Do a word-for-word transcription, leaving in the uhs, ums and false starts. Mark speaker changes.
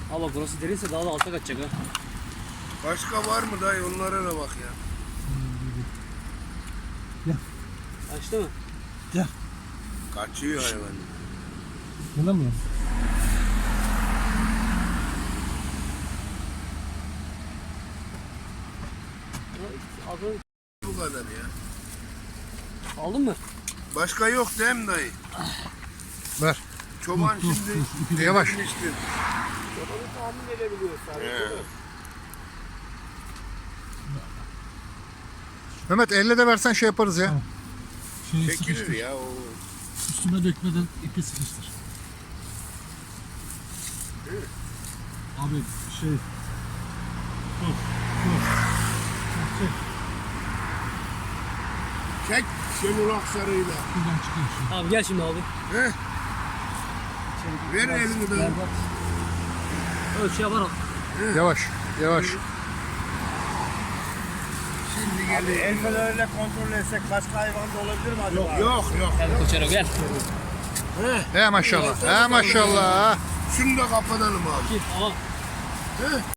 Speaker 1: Ama burası derinse daha da alta kaçacak ha.
Speaker 2: Başka var mı dayı, onlara da bak ya.
Speaker 3: Gel.
Speaker 1: Açtı mı?
Speaker 3: Gel.
Speaker 2: Kaçıyor hayvan.
Speaker 3: Bulamıyorum.
Speaker 1: Aldın,
Speaker 2: Bu kadar ya.
Speaker 1: aldın mı?
Speaker 2: Başka yok değil mi dayı?
Speaker 3: Ver.
Speaker 2: Çoban
Speaker 3: Dur, dur,
Speaker 2: şimdi
Speaker 3: dur, ipi yavaş.
Speaker 2: getirmiştir.
Speaker 1: Çobanı tahmin edebiliyor sadece.
Speaker 2: He.
Speaker 3: Mehmet elle de versen şey yaparız ya.
Speaker 4: Tamam. Şeyi
Speaker 2: Çekilir
Speaker 4: sıkıştır.
Speaker 2: ya o.
Speaker 4: Üstüme dökmeden ipi sıkıştır. Abi şey... Dur, dur. Çek,
Speaker 2: Çek Şenol Aksarı'yla.
Speaker 4: şuradan çıkıyor şu.
Speaker 1: Abi gel şimdi abi.
Speaker 2: He? Ver elini dayı.
Speaker 1: Ölçü yapar al.
Speaker 3: Yavaş. Yavaş.
Speaker 2: Şimdi geliyor.
Speaker 5: El fenerle kontrol etsek başka hayvan da olabilir mi acaba?
Speaker 2: Yok yok yok.
Speaker 1: Gel Koçero gel.
Speaker 2: He.
Speaker 3: He maşallah. He maşallah.
Speaker 2: Şunu da kapatalım abi.
Speaker 1: Git ama.
Speaker 2: He.